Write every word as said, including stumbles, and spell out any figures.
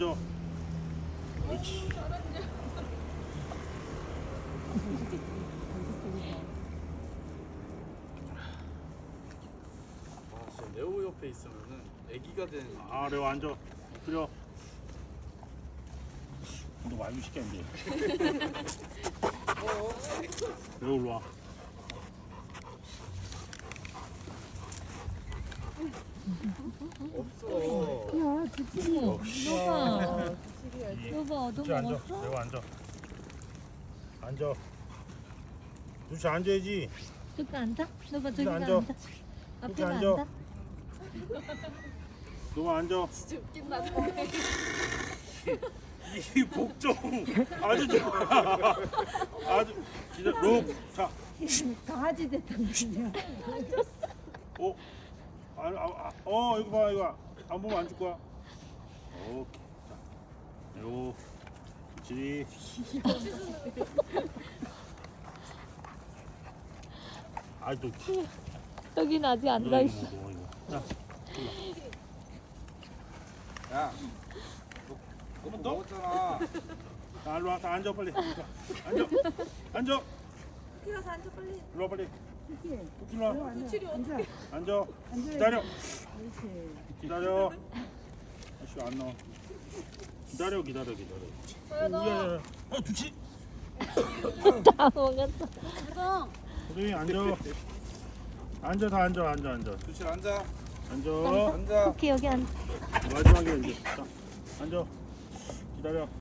그렇지. 아, 진짜 레오 옆에 있으면은 애기가 되는 느낌. 아, 레오 앉아. 엎드려. 너 많이 시켰는데. 레오 일로 와. 없어. 야, 두치리. 너봐. 너봐, 두치 너 앉아. 먹었어? 레오 앉아. 앉아. 두치 앉아야지. 저기 앉아? 너봐, 저기 앉아. 앉아. 앞에 앉아. 앉아. 너만 앉아. 진짜 웃긴다. 이 복종 아주 좋아. 아주 기다려. 로. 자. 강아지 됐단 말이야. 어. 아, 아, 아, 어, 이거 봐, 이거. 안 보면 안 줄 거야. 오케이. 자. 요. 그렇지. 아, 또. 여기는 아직 이거, 앉아있어. 이거 먹어, 이거. 자. 야, 너 그거 먹었잖아. 자, 일로 와. 다 앉아, 빨리. 앉아. 앉아. 키라서 앉아 빨리. 일로 와, 빨리. 일로 와. 두칠이 어떻게? 앉아. 기다려. 기다려. 아씨, 안 나와. 기다려, 기다려, 기다려. 서연아. 야, 야. 어, 두치. 다 먹었어. 가자. 우리 앉아. 앉아, 다 앉아, 앉아, 앉아. 두칠 앉아. 앉아. 앉아. 오케이, 여기 앉아. 마지막에 이제. 자, 앉아. 기다려.